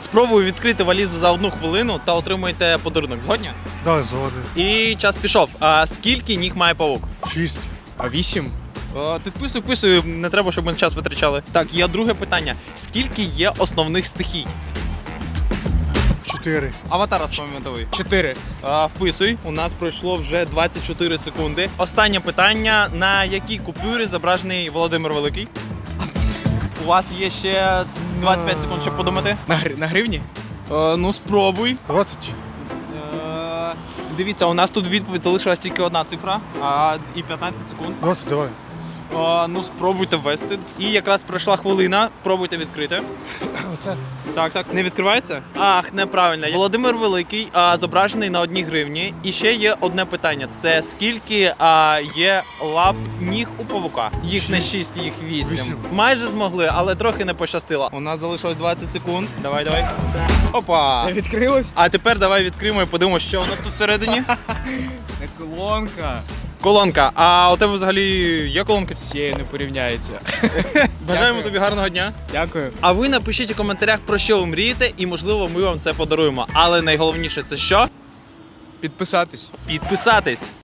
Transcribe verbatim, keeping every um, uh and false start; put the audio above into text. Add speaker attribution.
Speaker 1: Спробую відкрити валізу за одну хвилину та отримуєте подарунок. Згодні?
Speaker 2: Да, згоден.
Speaker 1: І час пішов. А скільки ніг має павук?
Speaker 2: Шість.
Speaker 3: А вісім?
Speaker 1: О, ти вписуй, вписуй, не треба, щоб ми час витрачали. Так, є друге питання. Скільки є основних стихій?
Speaker 2: Чотири.
Speaker 1: Аватар розпам'ятовий.
Speaker 3: Чотири.
Speaker 1: А, вписуй. У нас пройшло вже двадцять чотири секунди. Останнє питання. На якій купюрі зображений Володимир Великий? У вас є ще двадцять п'ять секунд, щоб подумати.
Speaker 3: На, гри... на гривні?
Speaker 1: Е, ну, спробуй.
Speaker 2: Двадцять.
Speaker 1: Е, дивіться, у нас тут відповідь залишилась тільки одна цифра, а, і п'ятнадцять секунд.
Speaker 2: Двадцять, давай.
Speaker 1: Е, ну, спробуйте ввести. І якраз пройшла хвилина. Пробуйте відкрити.
Speaker 2: Оце.
Speaker 1: Так, так. Не відкривається? Ах, неправильно. Володимир Великий а, зображений на одній гривні. І ще є одне питання. Це скільки а, є лап ніг у павука? Їх не шість, їх вісім.
Speaker 2: Вісім.
Speaker 1: Майже змогли, але трохи не пощастило. У нас залишилось двадцять секунд. Давай, давай. Опа!
Speaker 3: Це відкрилось?
Speaker 1: А тепер давай відкриємо і подивимося, що у нас тут всередині.
Speaker 3: Це колонка.
Speaker 1: Колонка. А у тебе взагалі є колонка?
Speaker 3: З цією не порівняється.
Speaker 1: Бажаємо
Speaker 3: Дякую.
Speaker 1: тобі гарного дня.
Speaker 3: Дякую.
Speaker 1: А ви напишіть у коментарях, про що ви мрієте, і можливо ми вам це подаруємо. Але найголовніше це що?
Speaker 3: Підписатись.
Speaker 1: Підписатись.